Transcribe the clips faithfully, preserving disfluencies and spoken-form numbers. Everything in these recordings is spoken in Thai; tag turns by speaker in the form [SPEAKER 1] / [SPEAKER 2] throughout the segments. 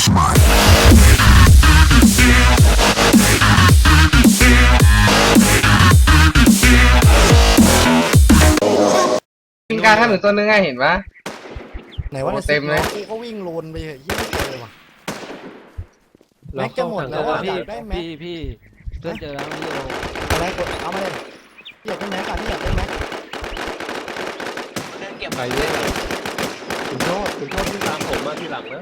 [SPEAKER 1] That's mine.
[SPEAKER 2] วิ่งกลางถนนตัวนึงไงเห็นปะ
[SPEAKER 3] ไหนว่า
[SPEAKER 2] โอ้เต็มเลย
[SPEAKER 3] กูก็วิ่งโลนไปเหี้ยไม่เจอว่ะแม็กจะหมดแล้วอ่ะอยากได้แม็ก
[SPEAKER 4] พี่พี่เพื่อนเจอแล้วพี่โอ
[SPEAKER 3] อะไรกดเอามาเลยพี่อยากได้แม็กอ่ะพี่อยากได้แม็ก
[SPEAKER 5] ใครเนี่ยคุณโชคคุณโชคที่ตามผมมาทีหลังนะ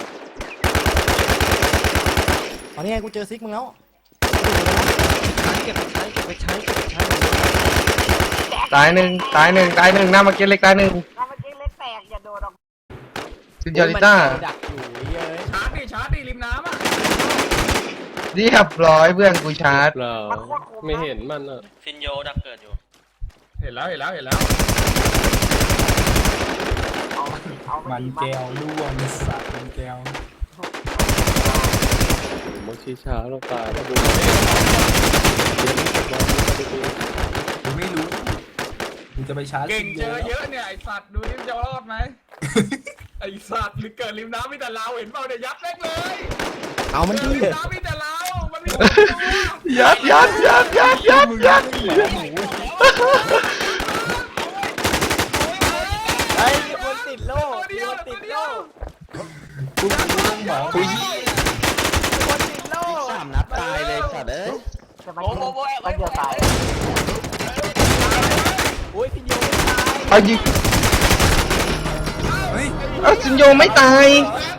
[SPEAKER 3] ตอนนี้ไงกูเจอซิกมึงแล้ว
[SPEAKER 4] ใช้เก็บไปใช้เก็บไปใช้เก็บไปใช้
[SPEAKER 2] ตายหนึ่งตายหนึ่งตายหนึ่งหน้ามาเก็ตเล็กตายหนึ่ง
[SPEAKER 6] ถ้าเมื่อกี้เล็กแตกอย่าโดดออก
[SPEAKER 2] ซินยอริต้า
[SPEAKER 3] ดักอยู่เย้ย
[SPEAKER 7] ชาร์จดิชาร์จดิริมน้ำอ่ะ
[SPEAKER 2] เรียบร้อยเพื่อนกูชาร์จ
[SPEAKER 5] เปล่าไม่เห็นมันอ่ะ
[SPEAKER 8] ฟินโยดักเกิดอยู่
[SPEAKER 7] เห็นแล้วเห็นแล้วเห็นแล้ว
[SPEAKER 6] เอาเอาไป
[SPEAKER 9] มัน
[SPEAKER 6] ดี
[SPEAKER 9] แก้วร่วงสัตว์มันแก้ว
[SPEAKER 5] มันชี้ช้าเราตายแล้วดู
[SPEAKER 9] กูไม่รู้กูจะไปชาร์จ
[SPEAKER 7] เก่งเจอ
[SPEAKER 9] ซิ
[SPEAKER 7] เยอะเนี่ยไอสัตว์ดูนี่จะรอดไหมไอสัตว์หรือเกิดริมน้ำมีแต่เราเห็นเปล่าเนี่ยยัดเล็กเลย
[SPEAKER 3] เอามัน
[SPEAKER 7] เกิ
[SPEAKER 3] ดี
[SPEAKER 7] ดริมน้ำมีแต่เรามันมีคนเดียว
[SPEAKER 2] ยัดยัดยัดยัดยัดยัด
[SPEAKER 3] ไอ้คนติดโล่
[SPEAKER 7] ตัวเดียว
[SPEAKER 3] ติ
[SPEAKER 7] ตัว
[SPEAKER 3] ด
[SPEAKER 7] เดีย
[SPEAKER 3] โล่
[SPEAKER 7] ว
[SPEAKER 9] กูกูต้องบอก
[SPEAKER 3] คนติดโล่
[SPEAKER 4] สามนัดตายเลยสัตว์เอ้ย
[SPEAKER 6] จะมายิงมันเดียวตาย
[SPEAKER 3] โอ้ยพี่โยไม่ตาย
[SPEAKER 2] เอายิง
[SPEAKER 9] เฮ้ย
[SPEAKER 2] เอาซินโยไม่ตาย
[SPEAKER 7] เฮ้ย